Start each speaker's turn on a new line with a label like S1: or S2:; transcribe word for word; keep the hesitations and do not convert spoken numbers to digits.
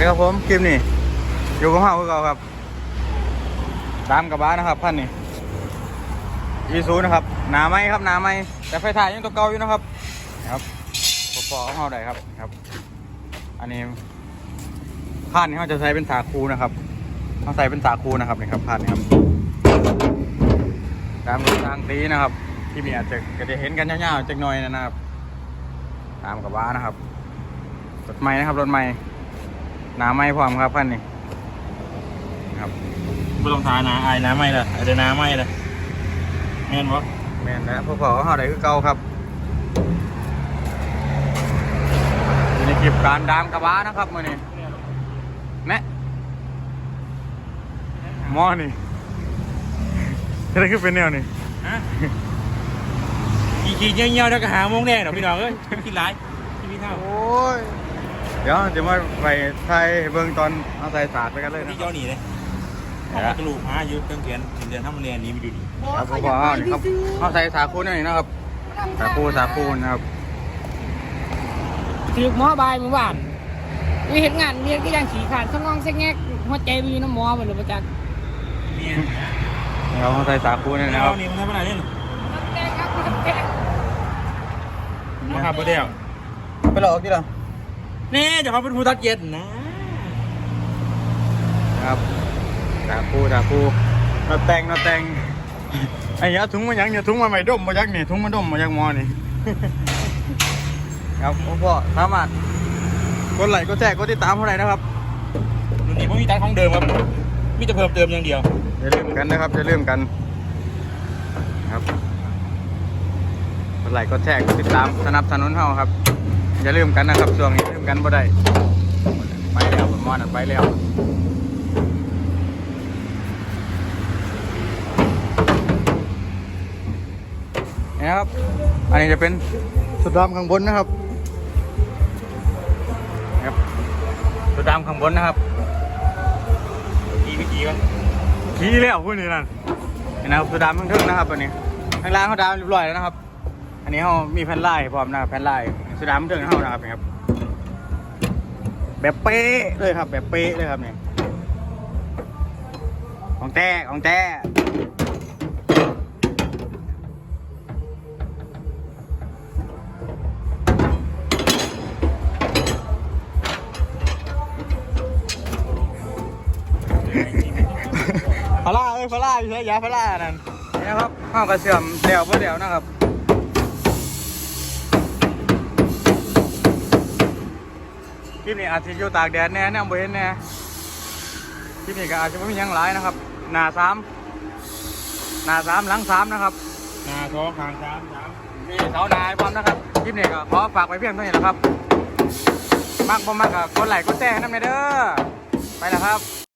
S1: ดีครับผมคลิปนี้อยู่กับเฮาคือเก่าครับตามกระบะนะครับพันนี่อีซูนะครับหนาไม้ครับหนาไม้แต่ไฟถ่ายยังตัวเก่าอยู่นะครับครับพอๆเฮาได้ครับครับอันนี้พันนี่เขาจะใช้เป็นสาคูนะครับเขาใส่เป็นสาคูนะครับนี่ครับพันนี่ครับตามรถทางตีนะครับที่มีอาจจะก็จะเห็นกันยาวๆจักหน่อยนะครับตามกระบะนะครับรถใหม่นะครับรถใหม่หนาไม้พร้อมครับพันนี่ครับ
S2: ไม่ต้องทานาไอ้น้ำไม่เลยไอ้เดน้ำไม่เลยแม่นวะ
S1: แม่นนะพวกเขาเขาได้คือเก่าครับอยู่ในคลิปการดามกระบะนะครับมื่อนี้แม่หม้อนี่อะไรคือเป็นแนวนี่
S2: ฮะขี่ขี่เงี้ยเงี้ยแล้วก็หาโมงแดงเดี๋ยวพี่น้องเอ้ยกินไรกินพี่เท่า
S1: โอ้ยเดี๋ยวจะมาไปไทยเบื้องตอนเอาใส่ศาสตร์ไปกันเลยนะ
S2: ที่เจ้าหนีเลยเอากระลูกหายืดเครื่องเขียนเดือนถ้ามันเรียนนี้ไม่ดูดี
S1: ครับพวกเขาเนี่ยครับเอาใส่สาคูนี่นะครับสาคูสาคูนะครับ
S3: ถือหมอบายเมื่อวานมีเหตุงานเรียนก็ยังขี่ขาดสมองเซ็งแงกหัวใจมีน้ำหมอหมดเลยประจักษ์
S1: เราใส่สาคูนี่นะครับ
S2: นี่มันทำอะไรเนี่ย
S3: แดงครับแดง
S2: มาขับรถเดียว
S1: ไปหลอกที่เรา
S2: นี่จะเขาเป็นผู้ตัดเย็น
S1: นะครับสาคูสาคูเราแต่งเราแต่งไอ้ยาถุงมายังเนี่ยถุงมาใหม่ดมมายักนี่ถุงมาดมมายักมอนี่ครับพ่อสามารถกดไลค์กดแชร์กดติดตามเท่าไหร่นะครับ
S2: รุ่นนี้ผมมีตัดของเดิมครับมีแต่เพิ่มเติมอย่างเดียว
S1: อย่าลืมกันนะครับอย่าลืมกันครับกดไลค์กดแชร์กดติดตามสนับสนุนเฮาครับอย่าลืมกันนะครับช่วงนี้ลืมกันบ่ได้ไปแล้วมอนั่นไปแล้วนี่นะครับอันนี้จะเป็นสุดดำข้างบนนะครับครับสุดดำข้างบนนะครับ
S2: ขี่ไปขี่กัน
S1: ขี่แล้วพวกนี้นั่นนี่นะครับสุดดำข้างทึ่งนะครับตัวนี้ข้างล่างเขาดำเรียบร้อยแล้วนะครับอันนี้เขามีแผ่นลายพร้อมนะครับแผ่นลายสุดดำข้างทึ่งเขานะครับนี่ครับแบบเป๊ะเลยครับแบบเป๊ะเลยครับนี่ของแท้ของแท้พาร่าเอ้ยพาร่าอยู่ใช่ยาพาร่านั่นนี่นะครับข้าวกระเสื่อมเดี่ยวเพื่อเดี่ยวนะครับคลิปนี้อาจจะอยู่ตากแดดแน่แน่บ่เห็นแน่คลิปนี้ก็อาจจะไม่มียังหลายนะครับหน้าสามหน้าสามหลังสามนะครับ
S2: หน้าท้องคางสามสาม
S1: มีเสาหนาพร้อมนะครับคลิปนี้ก็ขอฝากไว้เพียงเท่านี้แหละครับมากบ่มากก็กดไลค์กดแชร์ให้น้ำเด้อไปแล้วครับ